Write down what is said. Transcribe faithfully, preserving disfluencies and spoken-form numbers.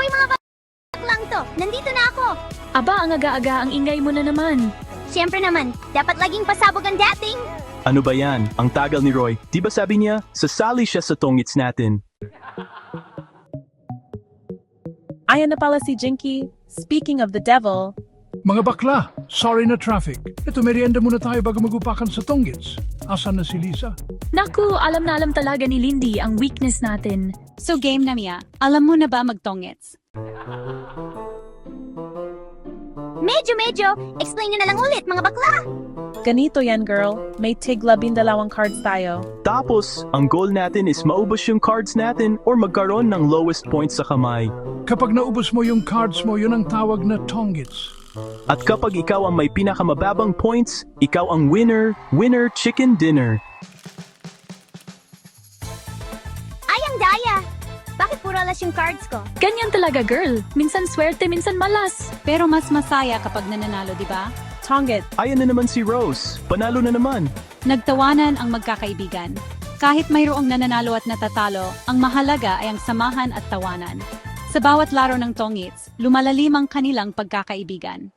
Hoy mga baklang to, nandito na ako. Aba, ang aga-aga, ang ingay mo na naman. Siyempre naman, dapat laging pasabog ang dating. Ano ba yan? Ang tagal ni Roy. Di ba sabi niya, sasali siya sa tongits natin. Ayan na pala si Jinky. Speaking of the devil, Mga bakla, sorry na traffic. Ito, merienda muna tayo bago magupakan sa Tonggits. Asan na si Lisa? Naku, alam na alam talaga ni Lindy ang weakness natin. So game na Mia, alam mo na ba magtongits? Medyo-medyo, explain nyo na lang ulit mga bakla. ganito yan girl. May tig labindalawang cards tayo. Tapos, ang goal natin is maubos yung cards natin or magkaroon ng lowest points sa kamay. Kapag naubos mo yung cards mo, yun ang tawag na Tonggits. At kapag ikaw ang may pinakamababang points, ikaw ang winner, winner chicken dinner. Ay, ang daya. Bakit puro alas yung cards ko? Ganyan talaga, girl. Minsan swerte, minsan malas. Pero mas masaya kapag nananalo, di ba? Tonggit. Ayan na naman si Rose. Panalo na naman. Nagtawanan ang magkakaibigan. Kahit mayroong nananalo at natatalo, ang mahalaga ay ang samahan at tawanan. Sa bawat laro ng tongits, lumalalim ang kanilang pagkakaibigan.